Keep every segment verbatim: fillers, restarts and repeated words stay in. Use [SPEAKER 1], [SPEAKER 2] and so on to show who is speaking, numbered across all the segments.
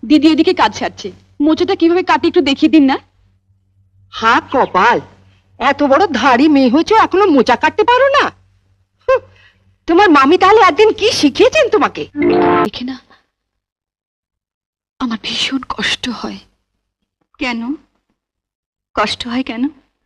[SPEAKER 1] দিদি এদিকে কাজ সারছে, মোচাটা কিভাবে কাটি একটু দেখিয়ে দিন না।
[SPEAKER 2] হা কপাল, এত বড় ধাড়ি মেয়ে হয়েছে এখনো মোচা কাটতে পারো না? হুঁ, তোমার মামি তাহলে একদিন কি শিখিয়েছেন তোমাকে?
[SPEAKER 1] দেখে না আমার ভীষণ কষ্ট হয়।
[SPEAKER 3] কেন কষ্ট হয় কেন?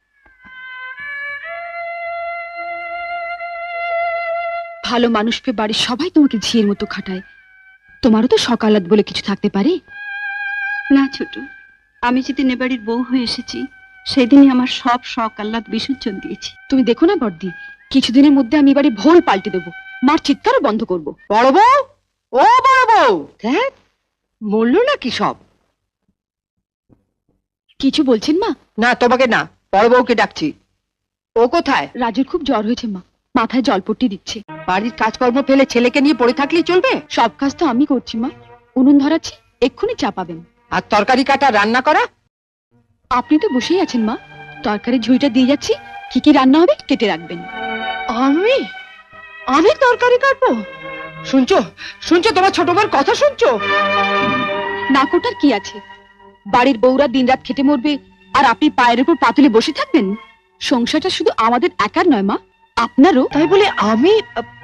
[SPEAKER 1] ভালো মানুষ পেয়ে বাড়ির সবাই তোমাকে ঝিয়ের মতো খাটায়, তোমারও তো সকালাত বলে কিছু থাকতে পারে
[SPEAKER 3] না ছোট, আমি যেদিন এ বাড়ির বউ হয়ে এসেছি সেদিনই আমার সব শখ আহ্লাদ বিসর্জন দিয়েছি।
[SPEAKER 1] তুমি দেখো না বর্দি, কিছুদিনের মধ্যে আমি এবারে ভোল পাল্টে দেবো, মার চিৎকারও বন্ধ করবো।
[SPEAKER 2] বড় বউ, ও বড় বউ, হ্যাঁ বললো নাকি সব?
[SPEAKER 1] কিছু বলছেন মা?
[SPEAKER 2] না তোমাকে না, বড় বউকে ডাকছি। ও কোথায়?
[SPEAKER 1] রাজুর খুব জ্বর হয়েছে মা, মাথায় জলপট্টি দিচ্ছে।
[SPEAKER 2] বাড়ির কাজকর্ম ফেলে ছেলেকে নিয়ে পড়ে থাকলেই চলবে?
[SPEAKER 1] সব কাজ তো আমি করছি মা, উনুন ধরাচ্ছি, এক্ষুনি চাপাবেন।
[SPEAKER 2] আর তরকারি কাটা রান্না করা?
[SPEAKER 1] আপনি তো বসেই আছেন মা, তরকারি ঝুড়িটা দিয়ে যাচ্ছি, কি কি রান্না হবে কেটে রাখবেন।
[SPEAKER 2] আমি আমি তরকারি কাটবো? শুনছো শুনছো তোমার ছোট বোন কথা শুনছো?
[SPEAKER 1] না কোটার কি আছে, বাড়ির বউরা দিনরাত খেটে মরবে আর আপনি পায়ের উপর পাতুলে বসে থাকবেন? সংসারটা শুধু আমাদের একার নয় মা, আপনারও।
[SPEAKER 2] তাই বলে আমি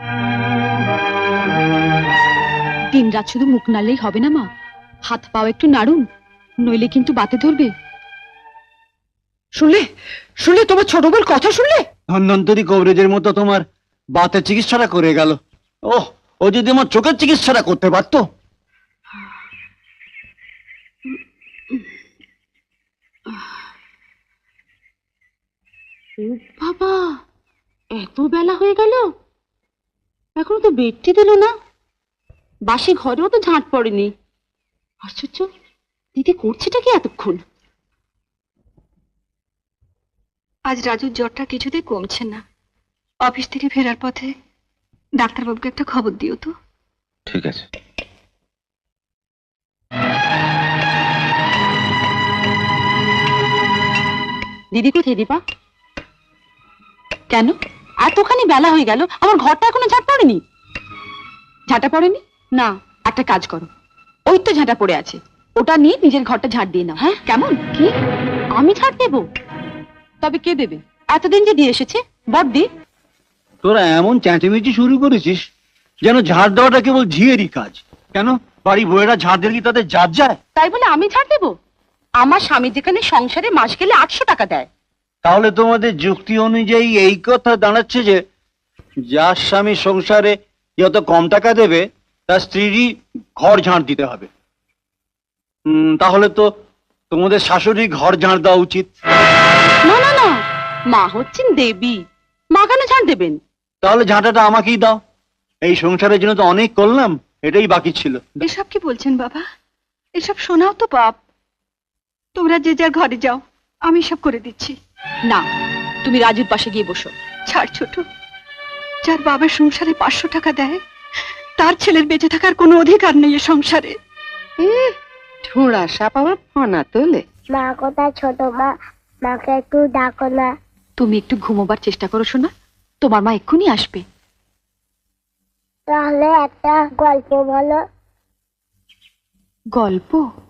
[SPEAKER 1] দিনরাত শুধু মুখ নাড়লেই হবে না মা, হাত পাও একটু নাড়ুন, নইলে কিন্তু বাতে ধরবে।
[SPEAKER 2] শুনলে শুনলে তোমার ছোট বোন কথা শুনলে?
[SPEAKER 4] ধন্বন্তরী কবরেজের মতো তোমার বাতের চিকিৎসাটা করে গেল। ওহ, ও যদি আমার চোখের চিকিৎসাটা করতে পারতো।
[SPEAKER 3] বাবা, এত বেলা হয়ে গেল, এখনো তো বেডটি দিল না। বাসি ঘরেও তো ঝাঁট পড়েনি। আশ্চর্য, দিদি করছেটা কি এতক্ষণ? আজ রাজুর জ্বরটা কিছুতেই কমছে না। অফিস থেকে ফেরার পথে ডাক্তারবাবুকে একটা খবর দিও তো।
[SPEAKER 4] ঠিক আছে।
[SPEAKER 3] দিদি কোথায় দীপা?
[SPEAKER 1] কেন?
[SPEAKER 3] এতখানি বেলা হয়ে গেল, আমার ঘরটা এখনো ঝাঁট পড়েনি।
[SPEAKER 1] ঝাঁটা পড়েনি?
[SPEAKER 3] না।
[SPEAKER 1] একটা কাজ করো, ওই তো ঝাঁটা পড়ে আছে, ওটা নিয়ে নিজের ঘরটা ঝাড় দিয়ে নাও।
[SPEAKER 3] হ্যাঁ?
[SPEAKER 1] কেমন?
[SPEAKER 3] কি? আমি ঝাঁট দেবো?
[SPEAKER 1] তবে কে দেবে?
[SPEAKER 3] এতদিন যে দিয়ে এসেছে বড়দি।
[SPEAKER 4] তোরা এমন চেঁচামেচি শুরু করেছিস যেন ঝাড় দেওয়াটা কেবল ঝিয়েরই কাজ। কেন বাড়ি বউয়েরা ঝাড় দিলে কি তাদের জাত যায়?
[SPEAKER 3] তাই বলে আমি ঝাড় দেবো? আমার স্বামী যেখানে সংসারে মাস গেলে আটশো টাকা দেয়।
[SPEAKER 4] তাহলে তোমাদের যুক্তি অনুযায়ী এই কথা দাঁড়াচ্ছে যে যার স্বামী সংসারে যত কম টাকা দেবে তার স্ত্রীরই ঘর ঝাড় দিতে হবে। উম, তাহলে তো তোমাদের শাশুড়ি ঘর ঝাড় দেওয়া উচিত।
[SPEAKER 3] না না না, মা হচ্ছেন দেবী, মা কেন ঝাড় দেবেন?
[SPEAKER 4] তাহলে ঝাঁটাটা আমাকেই দাও, এই সংসারের জন্য তো অনেক করলাম, এটাই বাকি ছিল।
[SPEAKER 3] এসব কি বলছেন বাবা? এসব শোনাও তো পাপ। তোমরা যে যার ঘরে যাও, আমি সব করে দিচ্ছি।
[SPEAKER 1] না, তুমি রাজুর পাশে গিয়ে বসো।
[SPEAKER 3] ছাড় ছোট, যার বাবা সংসারে পাঁচশো টাকা দেয় তার ছেলের বেঁচে থাকার কোনো অধিকার নেই এ সংসারে।
[SPEAKER 2] ঠোঁড়া সাপ আমার ফানা তোলে।
[SPEAKER 5] মা কোথায় ছোট মা? মাকে একটু ডাকো না।
[SPEAKER 1] তুমি একটু ঘুমোবার চেষ্টা করো শোনা, তোমার মা এক্ষুনি আসবে।
[SPEAKER 5] তাহলে একটা গল্প বলো।
[SPEAKER 1] গল্প?